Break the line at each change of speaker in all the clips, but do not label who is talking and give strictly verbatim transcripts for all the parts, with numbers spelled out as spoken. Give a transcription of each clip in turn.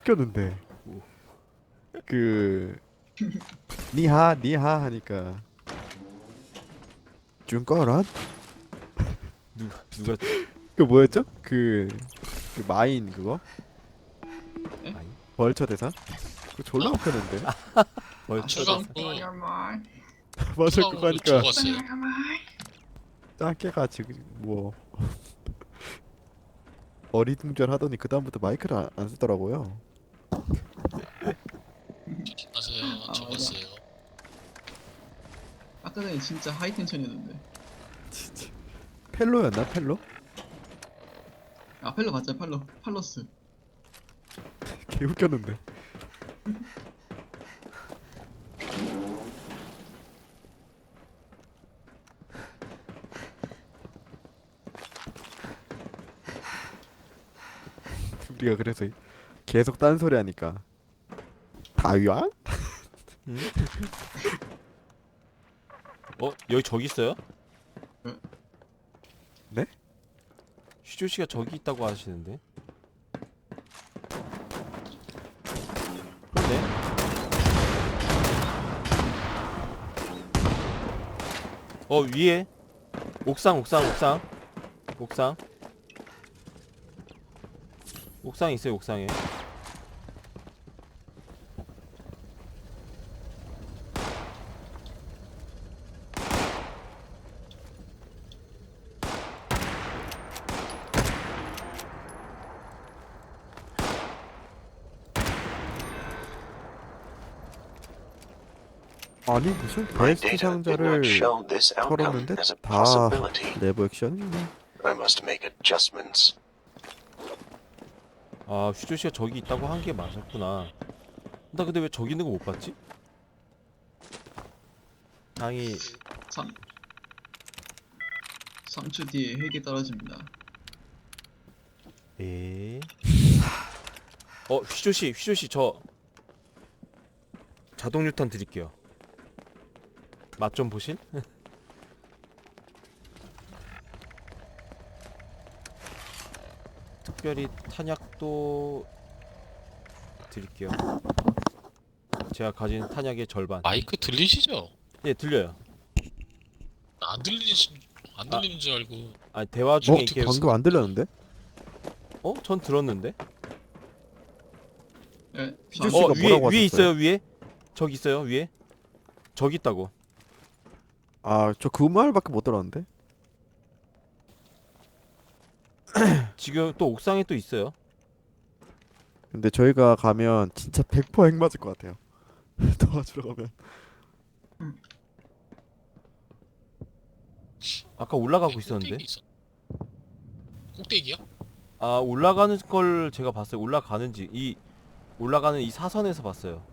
웃겼는데 그 니하 니하 하니까 준거란
누가 누가
그 뭐였죠? 그, 그 마인 그거
에?
아니
벌처 대사 그거 졸라
어?
웃겼는데
벌써
추가-
맞아 그거
추가로
하니까
적었어요.
짱깨가 지금 뭐 어리둥절 하더니 그 다음부터 마이크를 안, 안 쓰더라고요.
조심하세요.
아,
적었어요.
아까 전에 진짜 하이 텐션이었는데.
진짜 펠로였나 펠로?
아 팔로 맞죠? 팔로 팔로스.
개 웃겼는데. 우리가 그래서 계속 딴소리 하니까 다위안?
응? 어 여기 저기 있어요?
네?
슈조 씨가 저기 있다고 하시는데. 그런데 어 위에 옥상 옥상 옥상 옥상 옥상에 있어요 옥상에.
아니 무슨
My
베스트
data did
상자를
not show this outcome
털었는데
as a
다
possibility.
내부 액션이네.
I must make adjustments.
아 슈조 씨가 저기 있다고 한 게 맞았구나. 나 근데 왜 저기 있는 거 못 봤지? 당이
삼 삼 초 뒤에 핵이 떨어집니다.
에. 어 휘조 씨, 휘조 씨 저 자동 유탄 드릴게요. 맛 좀 보실? 특별히 탄약도 드릴게요. 제가 가진 탄약의 절반.
마이크 들리시죠?
예, 들려요.
안 들리시 안 들리는 줄 알고.
아 대화
어?
중에 이렇게
방금 안 들렸는데?
어? 전 들었는데?
예.
피조
삼-
씨가
어 위에
뭐라고
위에
하셨어요?
있어요 위에. 저기 있어요 위에. 저기 있다고.
아 저 그 말밖에 못 들었는데.
지금 또 옥상에 또 있어요.
근데 저희가 가면 진짜 백 퍼센트 핵 맞을 것 같아요. 도와주러 가면.
아까 올라가고
네,
있었는데.
꼭대기 있어. 꼭대기요?
아 올라가는 걸 제가 봤어요. 올라가는지 이 올라가는 이 사선에서 봤어요.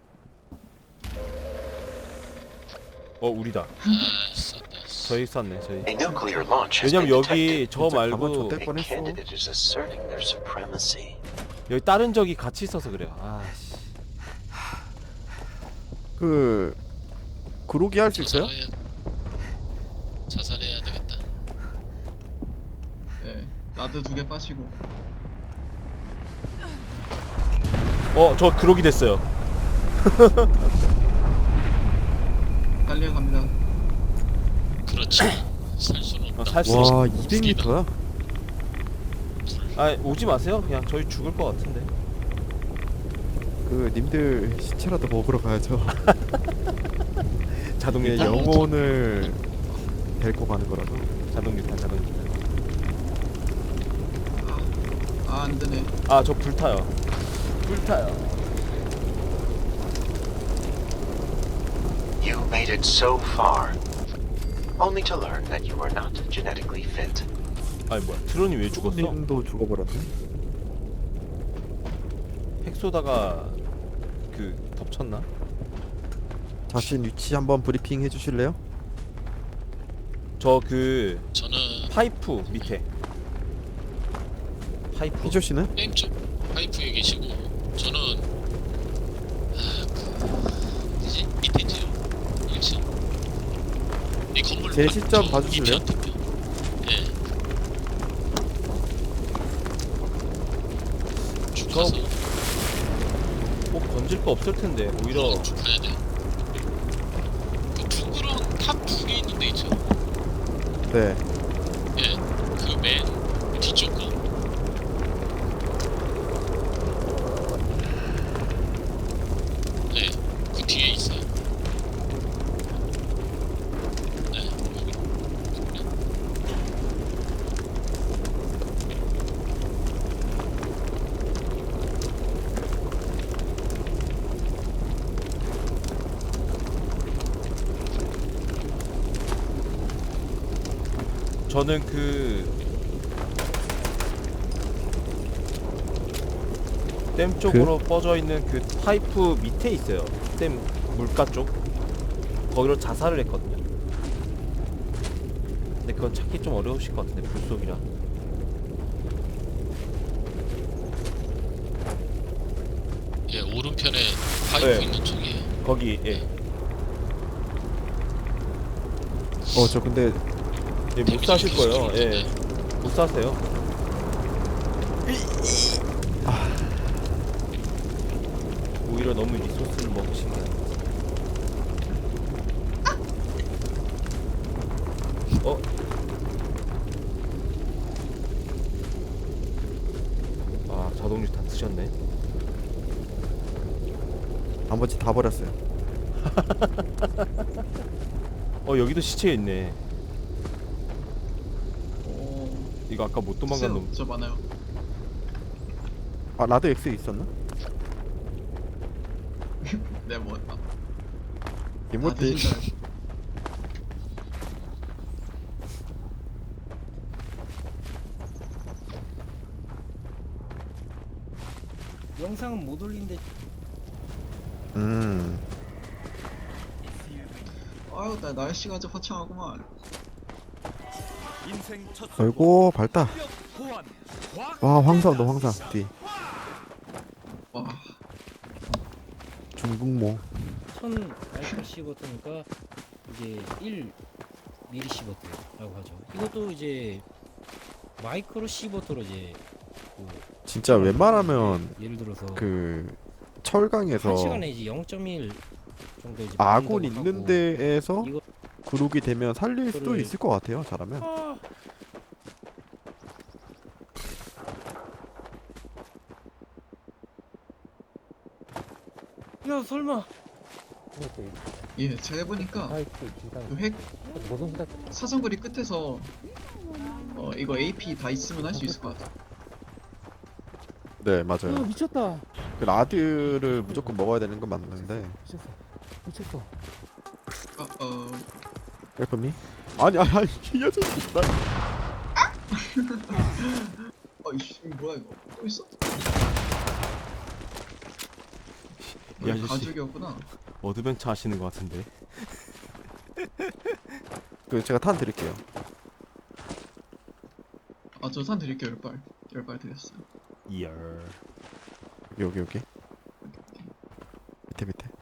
어 우리다.
아, 쌌다.
저희 쐈네 저희.
A nuclear launch has been
왜냐면 여기
detected.
저
진짜 가만
말고
줬대.
A
뻔했어.
candidate is asserting their supremacy.
여기 다른 적이 같이 있어서 그래요. 아씨.
그 그로기 할 수 있어요?
자살해야, 자살해야 되겠다.
예. 라드 두 개 빠시고.
어 저 그러기 됐어요.
달려갑니다.
그렇지. 살 수는
어,
없다.
살 수. 있어.
와 이백 미터야?
아 오지 마세요. 그냥 저희 죽을 것 같은데.
그 님들 시체라도 먹으러 가야죠.
자동
이게
유탄.
영혼을 데리고 가는 거라서.
자동 유탄 자동 유탄.
아 안되네.
아 저 불타요. 불타요.
You made it so far, only to learn that you are not genetically fit.
아니 뭐야 트론이 왜 죽었어?
님도 죽어버렸네.
핵 쏘다가 그 덮쳤나?
자신 위치 한번 브리핑 해주실래요?
저 그
저는
파이프 밑에. 파이프.
피조 씨는?
게임 쪽 파이프에 계시고 저는 아, 그 뭐지? 밑에지요. 일 층. 이 건물
제
바-
시점
저
봐주실래요?
뒤편, 뒤편. 예. 쭉
저-
가서
던질 거 없을 텐데 오히려
쭉 가야 돼. 그 둥그런 탑 두 개 있는 데 있죠?
네.
예, 그 맨 뒤쪽 거. 네, 그 뒤에 있어요. 네, 여기.
저는 그 댐 쪽으로 뻗어 있는 그 파이프 밑에 있어요. 댐 물가 쪽. 거기로 자살을 했거든요. 근데 그건 찾기 좀 어려우실 것 같은데 불속이라.
예, 오른편에 파이프
네.
있는 쪽이에요.
거기 예.
어 저 근데
예, 못 사실 거예요. 예. 못 사세요. 오히려 너무 리소스를 먹으신 게 아니에요. 어? 아, 자동류 다 쓰셨네.
나머지 다 버렸어요.
어, 여기도 시체 있네.
어,
이거 아까 못 도망간
있어요.
놈.
저 많아요.
아 라드 X 있었나?
네, 뭐, 아, 다
이모티.
드신다.
영상은 못 올린데
음.
아유, 나 날씨가 아주 화창하구만.
아이고 밝다. 와 황사온다 황사 뒤.
와,
중국모.
천 알파 시버터니까 이게 일 미리 시버터라고 하죠. 이것도 이제 마이크로 시버터로 이제 그
진짜 웬만하면
예를 들어서
그 철강에서
한 시간에 이제 영 점 일 정도 이제
아군
만든다고
있는
하고
데에서
이거
그룹이 되면 살릴 수도
그거를-
있을 것 같아요. 잘하면.
야 설마
예, 제가 해보니까 그 핵 사정거리 끝에서 어 이거 에이피 다 있으면 할 수 있을 것 같아.
네
야
맞아요.
미쳤다
그 라드를 무조건 먹어야 되는 건 맞는데.
미쳤어 미쳤어
어, 어,
웰컴이? 아니 아니 아니 이 아저씨 나
어이씨, 이거 뭐야 이거? 또 있어?
이
어,
아저씨.
가죽이었구나.
어드벤처 하시는 것 같은데.
그 제가 탄 드릴게요.
아, 저 산 드릴게요. 열 발, 열 발 드렸어요.
이열.
여기 여기 여기. 밑에 밑에.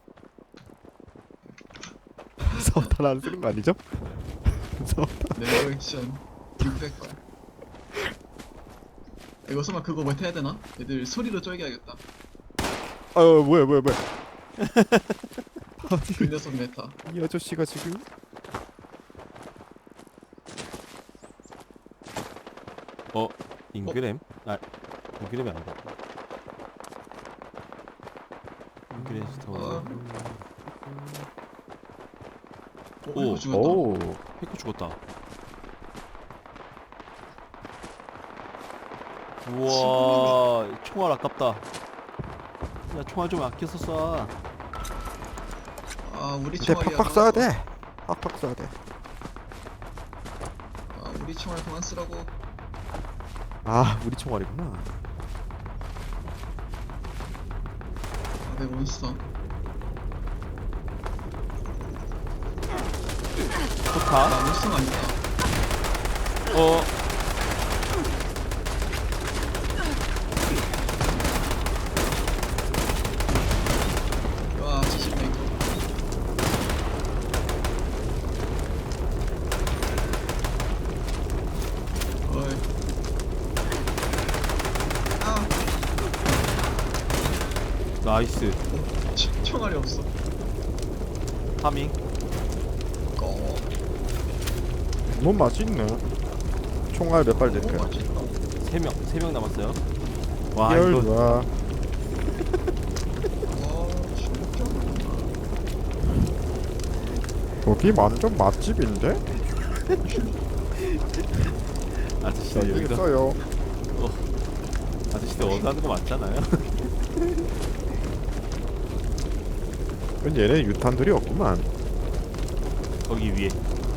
서탄 안 쓰는 거 아니죠? 서탄.
네버 액션 육백 발. 이거 설마 그거 뭐 해야 되나? 애들 소리로 쫄겨야겠다.
아유 뭐야 뭐야 뭐야.
그 녀석 메타.
이 아저씨가 지금
어, 인그램? 아, 인그램이 아니다. 인그레스터.
어. 어,
오,
이거 죽었다.
오
해커 죽었다. 우와, 총알 아깝다. 야, 총알 좀 아껴서 쏴.
아, 우리
근데
총알이야.
팍팍 쏴야 돼. 팍팍 쏴야 돼.
아, 우리 총알 그만 쓰라고.
아 우리 총알이구나.
아, 내 몬스터.
포타.
아, 몬스터가 아니다.
어,
와, 지식 메이커. 어이. 아,
나이스.
치- 총알이 없어.
파밍.
어.
너무 맛있네. 총알 몇 발
너무
될까요?
맛있다.
세 명, 세 명 남았어요. 와,
열
이거
좋아.
와 진짜.
여기 완전 맛집인데?
아저씨들
여기
여기서
있어요.
아저씨들 원하는 거 맞잖아요.
근데 얘네 유탄들이 없구만.
거기 위에.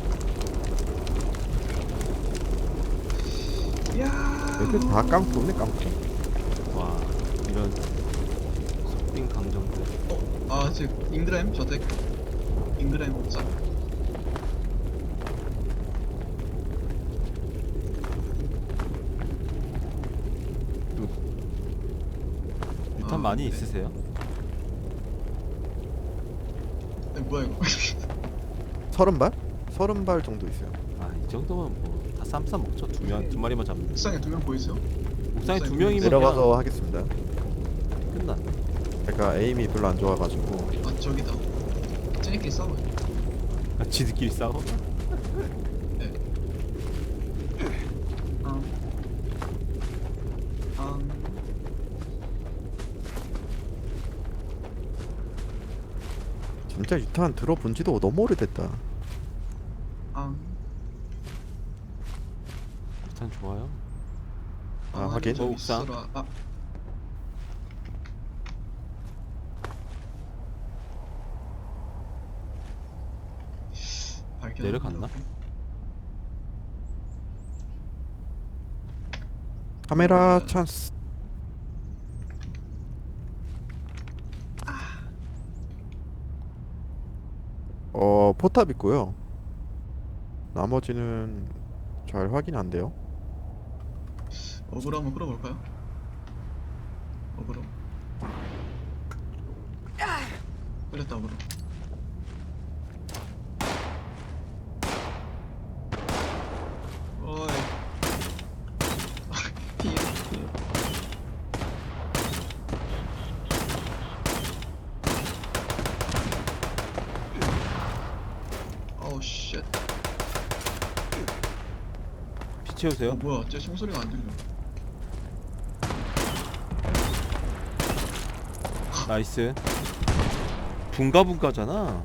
야.
얘들 다 깡통이네 깡통.
와, 이런 속빈 강정들.
아 지금 잉그램 저택. 잉그램 옥상.
유탄
아,
많이
네.
있으세요?
에, 뭐야 이거?
서른 발? 서른 발 정도 있어요.
아, 이 정도면 뭐 다 쌈싸 먹죠. 두 명, 두 마리만 잡는.
옥상에 두 명 보이세요?
옥상에 두
옥상에
명이면
내려가서 하겠습니다.
그냥 끝났네.
제가 에임이 별로 안 좋아가지고.
아 저기다. 쟤네끼리 싸워.
아, 지들끼리 싸워?
네. 아. 아.
진짜 유탄 들어본 지도 너무 오래됐다.
아.
유탄 좋아요.
아, 하긴.
좀
옥상.
있어라. 아. 발견.
내려갔나?
카메라
음.
찬스. 어 포탑 있고요. 나머지는 잘 확인 안 돼요.
어그로 한번 끌어볼까요? 어그로. 끌렸다 어그로. 어이. 피해 피해. 어우 쉣.
피
어
채우세요.
뭐야 쟤 총소리가 안 들려.
나이스. 분가분가잖아.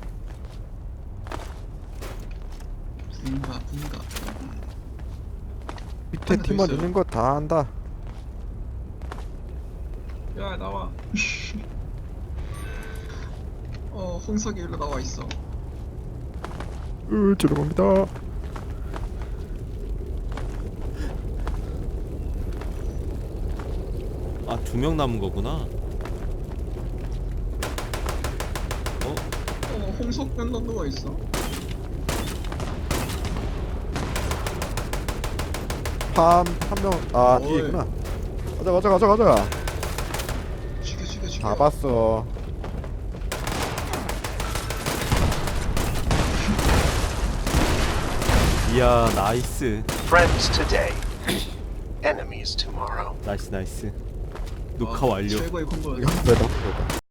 분가 분가.
밑에
하나 더
팀원
있어요.
있는 거 다 안다.
야 나와. 어 홍석이 일로 나와 있어.
으 들어갑니다.
아, 두 명 남은 거구나. 어?
어 홍석 밴더 누워 있어.
팜한명아 뒤에
어이.
있구나. 가자 가자 가자 가자.
죽여 죽여 죽여.
잡았어.
이야, 나이스.
Friends today, enemies tomorrow.
나이스, 나이스.
아,
녹화 완료.
최고의 콤보였어.
이거 한번 더.